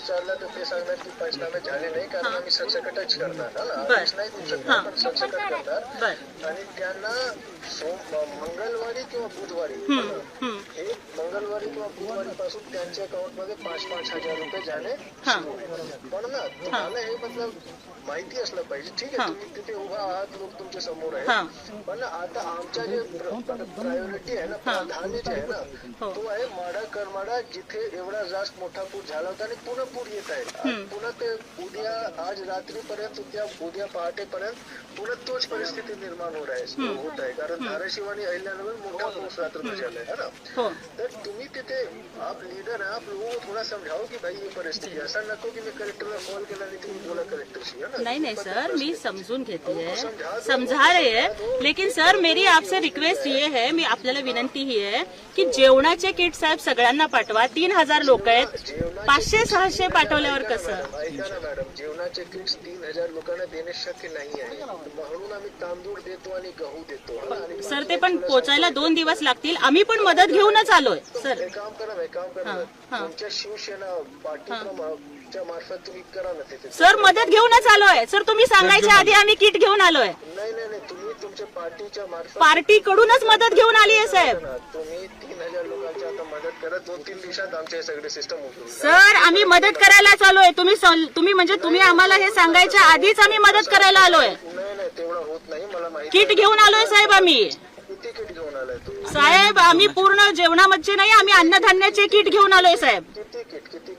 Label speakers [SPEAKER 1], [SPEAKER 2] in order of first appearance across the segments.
[SPEAKER 1] विचारलं तर ते सांगणार की पंचनामे झाले नाही कारण आम्ही सरसकटच करणार आदेश नाही देऊ शकणार पण सरसकट करणार आणि त्यांना मंगळवारी किंवा बुधवारी हे मंगळवारी किंवा बुधवारी पासून त्यांच्या अकाउंट मध्ये 5-5 हजार रुपये जाणे सुरू होईल. पण ना तुम्हाला हे मतलब माहिती असलं पाहिजे. ठीक आहे तुम्ही तिथे उभा आहात लोक तुमच्या समोर आहे पण आता आमच्या जे प्रायोरिटी आहे ना प्राधान्य जे आहे ना तो आहे माडा करमाडा जिथे एवढा जास्त मोठा पूर झाला होता आणि पुन्हा पूर येत आहे. पुन्हा ते उद्या आज रात्रीपर्यंत उद्या पहाटेपर्यंत पुन्हा तोच परिस्थिती निर्माण होत आहे कारण धाराशिव आणि अहिल्यानगर मोठा पाऊस रात्र झालाय है ना. तर तुम्ही तिथे आप लीडर आहे आप लोगों को थोड़ा समझाओ की भाई ये परिस्थिती ऐसा नको की मी कलेक्टरला कॉल केला आणि तुम्ही बोला कलेक्टरशी है ना.
[SPEAKER 2] नहीं सर मी समझून घेते है समझा रहे हैं लेकिन सर मेरी आपसे रिक्वेस्ट ये है मी आपल्याला विनंती ही आहे की जेवणाचे किट साहेब सगळ्यांना पाठवा. 3000 लोक आहेत 500-600 पाठवल्यावर कसं.
[SPEAKER 1] ऐका ना मॅडम जेवणाचे किट्स 3000 लोकांना देणे शक्य नाही आहे म्हणून आम्ही तांदूळ देतो आणि गहू देतो.
[SPEAKER 2] सर ते पण पोचायला 2 दिवस लागतील. आम्ही पण मदत घेऊनच आलोय सर.
[SPEAKER 1] काम करा तुमच्या शिवसेना पार्टीच्या मार्फत तुम्ही करा ना तिथे.
[SPEAKER 2] सर मदत घेऊनच आलोय सर. तुम्ही सांगायच्या आधी आम्ही किट घेऊन आलोय.
[SPEAKER 1] नाही तुम्ही तुमच्या पार्टीच्या मार्फत
[SPEAKER 2] पार्टीकडूनच मदत घेऊन आली आहे साहेब.
[SPEAKER 1] तुम्ही 3000 लोकांची आता मदत करा 2-3 दिवसात आमचे सगळे सिस्टम उठून.
[SPEAKER 2] सर आम्ही मदत करायला आलोय. तुम्ही म्हणजे तुम्ही आम्हाला हे सांगायच्या आधीच आम्ही मदत करायला आलोय.
[SPEAKER 1] नाही तेवढं होत नाही मला माहिती.
[SPEAKER 2] किट घेऊन आलोय साहेब आम्ही.
[SPEAKER 1] किती किट घेऊन आलाय तुम्ही
[SPEAKER 2] साहेब आम्ही पूर्ण जेवणामध्ये नाही आम्ही अन्नधान्याचे किट घेऊन आलोय साहेब.
[SPEAKER 1] किती किट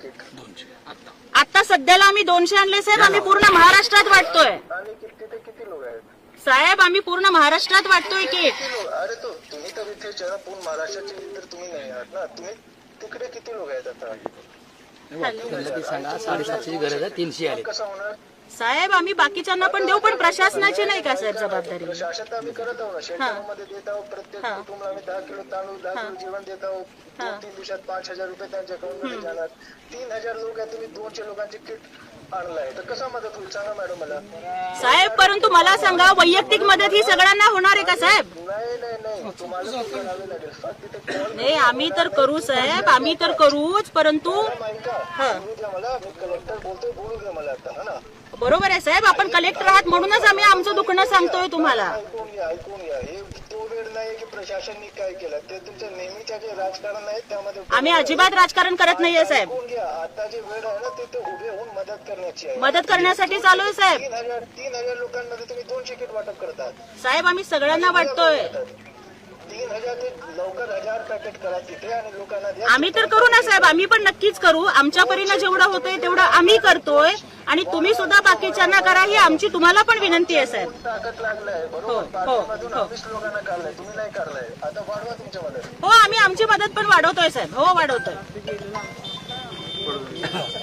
[SPEAKER 2] आता सध्याला आम्ही 200 आणले साहेब. आम्ही पूर्ण महाराष्ट्रात वाटतोय
[SPEAKER 1] आणि तिथे किती लोक आहेत
[SPEAKER 2] साहेब. आम्ही पूर्ण महाराष्ट्रात वाटतोय किट.
[SPEAKER 1] अरे तो तुम्ही तर इथे पूर्ण महाराष्ट्राचे तर तुम्ही नाही आहात ना. तुम्ही तिकडे किती लोक आहेत आता
[SPEAKER 3] सांगा 750ची गरज आहे 300 आले.
[SPEAKER 1] कसं होणार
[SPEAKER 2] साहेब आम्ही बाकीच्यांना पण देऊ पण प्रशासनाची नाही का साहेब जबाबदारी.
[SPEAKER 1] प्रशासन तर आम्ही करत आहोत ना शेल्टरमध्ये देत आहोत प्रत्येक कुटुंबाला आम्ही 10 किलो तांदूळ 10 किलो जेवण देत आहोत. 2-3 दिवसात 5000 रुपये त्यांच्या अकाउंटमध्ये जाणार. 3000 लोक आहेत तुम्ही 200 लोकांचे किट आणलाय तर कसा मदत होईल सांगा मॅडम मला.
[SPEAKER 2] साहेब परंतु मला सांगा वैयक्तिक मदत ही सगळ्यांना होणार आहे का साहेब.
[SPEAKER 1] नाही तुम्हाला करावे लागेल फक्त तिथे कॉल
[SPEAKER 2] नाही आम्ही तर करू साहेब आम्ही तर करूच परंतु
[SPEAKER 1] बोलू द्या मला. मी कलेक्टर बोलतोय बोलू द्या मला आता है ना.
[SPEAKER 2] बरोबर आहे साहेब आपण कलेक्टर आहात म्हणूनच आम्ही आमचं दुखणं सांगतोय तुम्हाला.
[SPEAKER 1] ऐकून घ्या हे तो वेळ नाही की प्रशासनाने काय केलं ते तुमचं नेहमीचं जे राजकारण आहे त्यामध्ये
[SPEAKER 2] आम्ही अजिबात राजकारण करत नाहीये साहेब.
[SPEAKER 1] ऐकून घ्या आता जे वेळ आहे ना ते उभे होऊन मदत करण्याची आहे.
[SPEAKER 2] मदत करण्यासाठी चालू आहे साहेब.
[SPEAKER 1] 3000 लोकांमध्ये तुम्ही 200 किट वाटप करतात
[SPEAKER 2] साहेब आम्ही सगळ्यांना वाटतोय.
[SPEAKER 1] 3000 ते लवकर 1000 पॅकेट करा तिथे आणि लोकांना द्या.
[SPEAKER 2] आम्ही तर करू ना साहेब आम्ही पण नक्कीच करू. आमच्या परीनं जेवढं होतंय तेवढं आम्ही करतोय आणि तुम्ही सुद्धा बाकीच्यांना करा ही आमची तुम्हाला पण विनंती आहे साहेब.
[SPEAKER 1] ताकद लागलाय बरोबर. पाठीमधून 20 लोकांना काढलाय तुम्ही नाही काढलाय आता वाढवा तुमच्या मदत.
[SPEAKER 2] हो आम्ही आमची मदत पण वाढवतोय साहेब. हो वाढवतोय.